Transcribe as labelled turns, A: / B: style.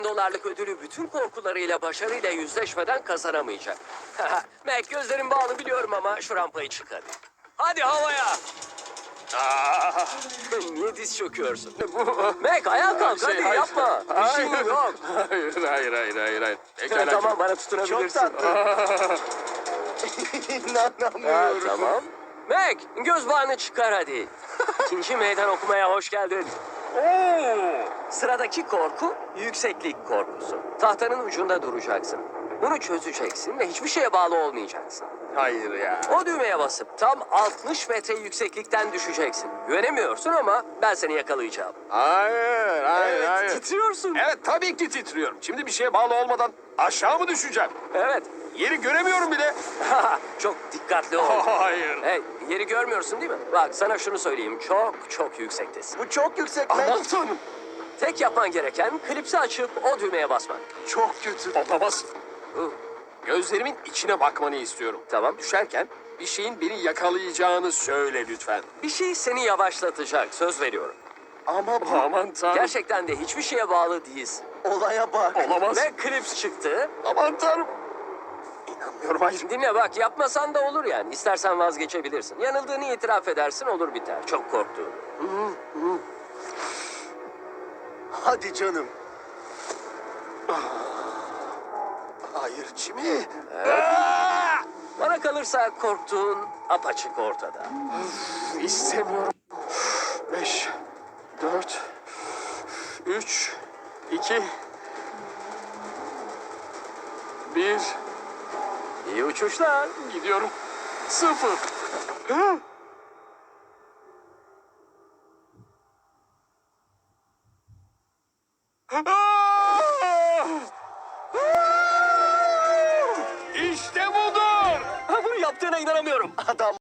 A: dolarlık ödülü bütün korkularıyla başarıyla yüzleşmeden kazanamayacak. Mac, gözlerin bağlı biliyorum ama şu rampayı çık hadi. Hadi havaya. Niye diz çöküyorsun? Mac, ayağa kalk hadi
B: hayır.
A: yapma. Bir şeyin
B: Hayır.
A: yok.
B: Hayır. Pekala.
A: Tamam, bana tutunabilirsin.
C: Çok tatlı. İnanamıyorum.
A: Tamam. Mac, göz bağını çıkar hadi. İkinci meydan okumaya hoş geldin. Sıradaki korku yükseklik korkusu. Tahtanın ucunda duracaksın. Bunu çözeceksin ve hiçbir şeye bağlı olmayacaksın.
B: Hayır ya.
A: O düğmeye basıp tam 60 metre yükseklikten düşeceksin. Güvenemiyorsun ama ben seni yakalayacağım.
B: Hayır.
A: Titriyorsun.
B: Evet, tabii ki titriyorum. Şimdi bir şeye bağlı olmadan aşağı mı düşeceğim?
A: Evet.
B: Yeri göremiyorum bile.
A: Çok dikkatli ol.
B: Hayır.
A: Hey, yeri görmüyorsun değil mi? Bak sana şunu söyleyeyim. Çok yüksektesin.
C: Bu çok yüksek
B: Aman
C: Mac.
B: tanrım.
A: Tek yapman gereken klipsi açıp o düğmeye basmak.
B: Çok kötü. Olamaz. Gözlerimin içine bakmanı istiyorum.
A: Tamam.
B: Düşerken bir şeyin beni yakalayacağını söyle lütfen.
A: Bir şey seni yavaşlatacak. Söz veriyorum.
C: Ama bu
B: Aman tanrım.
A: Gerçekten de hiçbir şeye bağlı değilsin.
C: olaya bak.
B: Olamaz.
A: Ve klips çıktı.
B: Aman tanrım. İnanmıyorum, hayır.
A: Dinle bak, yapmasan da olur yani. İstersen vazgeçebilirsin. Yanıldığını itiraf edersin, olur biter. Çok korktuğunu.
C: Hadi canım.
B: Hayır Jimmy.
A: Bana kalırsa korktuğun apaçık ortada.
B: İstemiyorum. 5, 4, 3, 2, 1.
A: İyi uçuşlar.
B: Gidiyorum. 0. İşte budur.
A: Ha, bunu yaptığına inanamıyorum.
C: Adam